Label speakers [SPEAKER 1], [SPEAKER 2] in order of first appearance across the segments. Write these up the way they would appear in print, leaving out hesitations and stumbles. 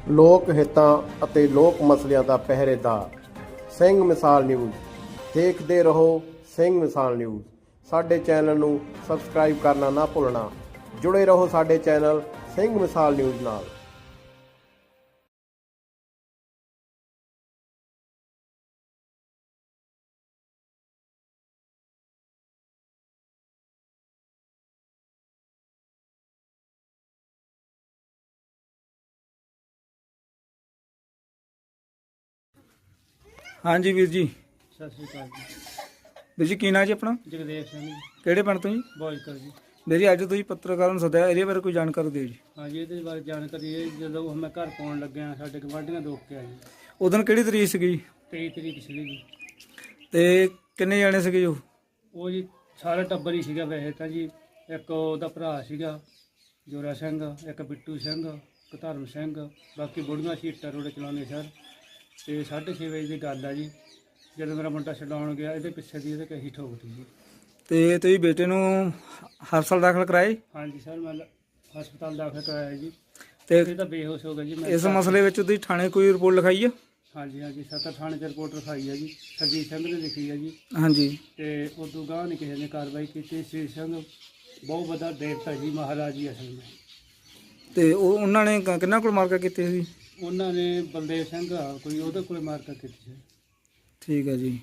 [SPEAKER 1] ਲੋਕ ਹਿੱਤਾਂ ਅਤੇ ਲੋਕ ਮਸਲਿਆਂ ਦਾ ਪਹਿਰੇਦਾਰ ਸਿੰਘ ਮਿਸਾਲ ਨਿਊਜ਼। ਦੇਖਦੇ ਰਹੋ ਸਿੰਘ ਮਿਸਾਲ ਨਿਊਜ਼। ਸਾਡੇ ਚੈਨਲ ਨੂੰ ਸਬਸਕ੍ਰਾਈਬ ਕਰਨਾ ਨਾ ਭੁੱਲਣਾ। ਜੁੜੇ ਰਹੋ ਸਾਡੇ ਚੈਨਲ ਸਿੰਘ ਮਿਸਾਲ ਨਿਊਜ਼ ਨਾਲ।
[SPEAKER 2] हाँ जी वीर जी।
[SPEAKER 3] सत श्री अकाल जी।
[SPEAKER 2] ਵੀਰ ਜੀ ਕੀ ਨਾਂ ਜੀ ਆਪਣਾ?
[SPEAKER 3] जगदेव सिंह जी,
[SPEAKER 2] ਕਿਹੜੇ ਪਿੰਡ ਤੋਂ ਜੀ?
[SPEAKER 3] बॉयकर जी।
[SPEAKER 2] ਵੀਰ ਜੀ ਅੱਜ ਤੁਸੀਂ ਪੱਤਰਕਾਰਾਂ ਨੂੰ ਸੱਦਿਆ, ਇਹਦੇ ਬਾਰੇ ਕੋਈ ਜਾਣਕਾਰੀ ਦਿਓ ਜੀ।
[SPEAKER 3] हाँ जी, ये बारे जानकारी है जो मैं घर पाउन लग्या साडे गवांढियां रोक के आए
[SPEAKER 2] ਉਦੋਂ ਕਿਹੜੀ ਤਰੀਕ ਸੀਗੀ ਜੀ?
[SPEAKER 3] 23 तरीक सीगी जी।
[SPEAKER 2] ਤੇ ਕਿੰਨੇ ਜਾਣੇ ਸੀਗੇ ਜੋ?
[SPEAKER 3] ਉਹ ਜੀ ਸਾਰਾ ਟੱਬਰ ਹੀ ਸੀਗਾ ਵੈਸੇ ਤਾਂ ਜੀ। ਇੱਕ ਉਹਦਾ ਭਰਾ ਸੀਗਾ ਜੋਰਾ ਸਿੰਘ, ਇੱਕ ਬਿੱਟੂ ਸਿੰਘ, ਇੱਕ ਧਰਮ ਸਿੰਘ, ਬਾਕੀ ਬੁੜੀਆਂ ਸੀ ਇੱਟਾਂ ਰੋੜੇ ਚਲਾਉਂਦੇ ਸਰ। ਤੇ 6:30 ਵਜੇ ਦੀ ਗੱਲ ਆ ਜੀ, ਜਦੋਂ ਮੇਰਾ ਮੁੰਡਾ ਛਡਾਉਣ ਗਿਆ ਇਹਦੇ ਪਿੱਛੇ ਦੀ ਇਹਦੇ ਕਹੀ ਠੋਕਦੀ ਜੀ।
[SPEAKER 2] ਤੇ ਤੁਸੀਂ ਬੇਟੇ ਨੂੰ ਹਸਪਤਾਲ ਦਾਖਲ ਕਰਾਏ?
[SPEAKER 3] ਹਾਂਜੀ ਸਰ, ਮੈਂ ਹਸਪਤਾਲ ਦਾਖਲ ਕਰਾਇਆ ਜੀ।
[SPEAKER 2] ਤੇ
[SPEAKER 3] ਇਹ ਤਾਂ ਬੇਹੋਸ਼ ਹੋ ਗਿਆ ਜੀ। ਮੈਂ
[SPEAKER 2] ਇਸ ਮਸਲੇ ਵਿੱਚ ਤੁਸੀਂ ਥਾਣੇ ਕੋਈ ਰਿਪੋਰਟ ਲਿਖਾਈ ਆ?
[SPEAKER 3] ਹਾਂਜੀ ਹਾਂਜੀ, ਸੱਤਾ ਥਾਣੇ 'ਚ ਰਿਪੋਰਟ ਲਿਖਾਈ ਹੈ ਜੀ। ਸਰਜੀਤ ਸਿੰਘ ਨੇ ਲਿਖੀ ਹੈ ਜੀ।
[SPEAKER 2] ਹਾਂਜੀ।
[SPEAKER 3] ਤੇ ਉਦੋਂ ਗਾਂਹ ਨਹੀਂ ਕਿਸੇ ਨੇ ਕਾਰਵਾਈ ਕੀਤੀ। ਸ੍ਰੀ ਸਿੰਘ ਬਹੁਤ ਵੱਡਾ ਦੇਵਤਾ ਜੀ, ਮਹਾਰਾਜ ਜੀ ਅਸਲ ਵਿੱਚ।
[SPEAKER 2] ਤੇ ਉਹਨਾਂ ਨੇ ਕਿੰਨਾ ਕੋਲ ਮਾਰਕਾ ਕੀਤੀ ਸੀ?
[SPEAKER 3] ਉਹਨਾਂ ਨੇ ਬਲਦੇਵ ਸਿੰਘ ਆ ਕੋਈ, ਉਹਦੇ ਕੋਲ ਮਾਰਕਾ ਕੀਤੀ ਸੀ।
[SPEAKER 2] ਠੀਕ ਹੈ ਜੀ।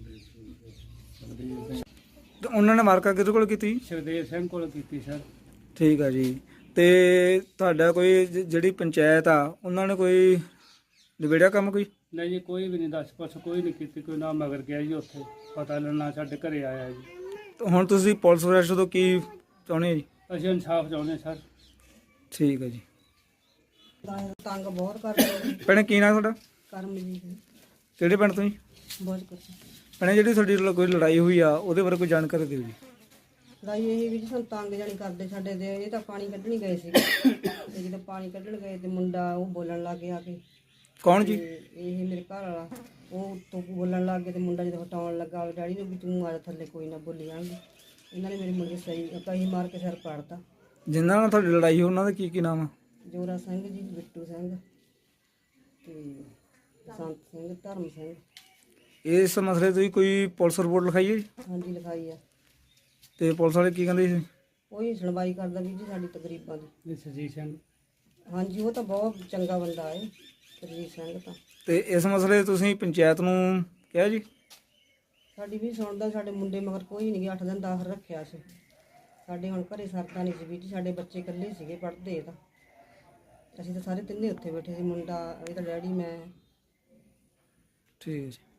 [SPEAKER 2] ਤੇ ਉਹਨਾਂ ਨੇ ਮਾਰਕਾ ਕਿਹਦੇ ਕੋਲ ਕੀਤੀ?
[SPEAKER 3] ਸੁਖਦੇਵ ਸਿੰਘ ਕੋਲ ਕੀਤੀ ਸਰ।
[SPEAKER 2] ਠੀਕ ਹੈ ਜੀ। ਤੇ ਤੁਹਾਡਾ ਕੋਈ ਜਿਹੜੀ ਪੰਚਾਇਤ ਆ ਉਹਨਾਂ ਨੇ ਕੋਈ ਨਿਬੇੜਿਆ ਕੰਮ ਕੋਈ?
[SPEAKER 3] ਨਹੀਂ ਜੀ, ਕੋਈ ਵੀ ਨਹੀਂ ਦੱਸ ਪੁੱਛ ਕੋਈ ਨਹੀਂ ਕੀਤੀ। ਕੋਈ ਨਾ ਮਗਰ ਗਿਆ ਜੀ, ਉੱਥੇ ਪਤਾ ਲੈਣਾ ਸਾਡੇ ਘਰੇ ਆਇਆ ਜੀ।
[SPEAKER 2] ਤੇ ਹੁਣ ਤੁਸੀਂ ਪੁਲਿਸ ਪ੍ਰਸ਼ਾਸਨ ਤੋਂ ਕੀ ਚਾਹੁੰਦੇ ਹੋ ਜੀ?
[SPEAKER 3] ਅਸੀਂ ਇਨਸਾਫ ਚਾਹੁੰਦੇ ਸਰ।
[SPEAKER 2] ਠੀਕ ਹੈ ਜੀ।
[SPEAKER 4] ਤੰਗ ਬਹੁਤ ਕਰਦੇ ਨੇ।
[SPEAKER 2] ਭੈਣੇ ਕੀ ਨਾਂ ਤੁਹਾਡਾ?
[SPEAKER 4] ਕਰਮਜੀਤ
[SPEAKER 2] ਕਿਹੜੇ ਪਿੰਡ ਤੋਂ ਜੀ?
[SPEAKER 4] ਬਹੁਤ ਕੁਛ
[SPEAKER 2] ਭੈਣੇ ਜਿਹੜੀ ਤੁਹਾਡੀ ਕੋਈ ਲੜਾਈ ਹੋਈ ਆ ਉਹਦੇ ਬਾਰੇ ਕੋਈ ਜਾਣਕਾਰੀ ਦਿਓ ਜੀ।
[SPEAKER 4] ਲੜਾਈ ਇਹ ਵੀ ਜੀ ਸਾਨੂੰ ਤੰਗ ਜਾਣੀ ਕਰਦੇ ਸਾਡੇ ਦੇ। ਇਹ ਤਾਂ ਪਾਣੀ ਕੱਢਣ ਗਏ ਸੀ ਤੇ ਜਦੋਂ ਪਾਣੀ ਕੱਢਣ ਗਏ ਤੇ ਮੁੰਡਾ ਉਹ ਬੋਲਣ ਲੱਗ ਗਿਆ ਕਿ
[SPEAKER 2] ਕੌਣ ਜੀ?
[SPEAKER 4] ਇਹ ਮੇਰੇ ਘਰ ਵਾਲਾ ਉਹ ਉੱਤੋਂ ਬੋਲਣ ਲੱਗ ਗਿਆ ਤੇ ਮੁੰਡਾ ਜਦੋਂ ਹਟਾਉਣ ਲੱਗਾ ਡੈਡੀ ਨੂੰ ਵੀ ਤੂੰ ਆ ਜਾ ਥੱਲੇ, ਕੋਈ ਨਾ ਬੋਲੀ ਜਾਣਗੇ। ਇਹਨਾਂ ਨੇ ਮੇਰੇ ਮੁੰਡੇ ਸਹੀ ਕਹੀ ਮਾਰ ਕੇ ਸਿਰ ਪਾੜਤਾ।
[SPEAKER 2] ਜਿਨ੍ਹਾਂ ਨਾਲ ਤੁਹਾਡੀ ਲੜਾਈ ਹੋਈ ਉਹਨਾਂ ਦਾ ਕੀ ਨਾਮ ਆ?
[SPEAKER 4] ਜੋਰਾ ਸਿੰਘ ਜੀ, ਬਿੱਟੂ ਸਿੰਘ ਤੇ ਸੰਤ ਸਿੰਘ, ਧਰਮ ਸਿੰਘ।
[SPEAKER 2] ਇਸ ਮਸਲੇ ਤੁਸੀਂ ਕੋਈ ਪੁਲਿਸ ਰਿਪੋਰਟ ਲਿਖਾਈ ਹੈ ਜੀ?
[SPEAKER 4] ਹਾਂਜੀ ਲਿਖਾਈ ਆ।
[SPEAKER 2] ਤੇ ਪੁਲਿਸ ਵਾਲੇ ਕੀ ਕਹਿੰਦੇ ਸੀ?
[SPEAKER 4] ਉਹੀ ਸੁਣਵਾਈ ਕਰਦਾ ਵੀ ਜੀ ਸਾਡੀ ਤਕਰੀਬਾਂ ਦੀ।
[SPEAKER 3] ਇਹ ਸਰਜੀਤ ਸਿੰਘ।
[SPEAKER 4] ਹਾਂਜੀ, ਉਹ ਤਾਂ ਬਹੁਤ ਚੰਗਾ ਬੰਦਾ ਹੈ ਸਰਜੀਤ ਸਿੰਘ ਤਾਂ।
[SPEAKER 2] ਤੇ ਇਸ ਮਸਲੇ ਤੁਸੀਂ ਪੰਚਾਇਤ ਨੂੰ ਕਿਹਾ ਜੀ?
[SPEAKER 4] ਸਾਡੀ ਵੀ ਸੁਣਦਾ, ਸਾਡੇ ਮੁੰਡੇ ਮਗਰ ਕੋਈ ਨਹੀਂ ਗਿਆ। 8 ਦਿਨ ਦਾਖਲ ਰੱਖਿਆ ਸੀ। ਸਾਡੇ ਹੁਣ ਘਰੇ ਸਰਦਾ ਨਹੀਂ ਸੀ ਵੀ ਜੀ, ਸਾਡੇ ਬੱਚੇ ਇਕੱਲੇ ਸੀਗੇ ਪੜ੍ਹਦੇ ਤਾਂ। ਅਸੀਂ ਤਾਂ ਸਾਰੇ ਤਿੰਨੇ ਉੱਥੇ ਬੈਠੇ ਸੀ, ਮੁੰਡਾ, ਇਹਦਾ ਡੈਡੀ, ਮੈਂ।
[SPEAKER 2] ਠੀਕ ਹੈ ਜੀ।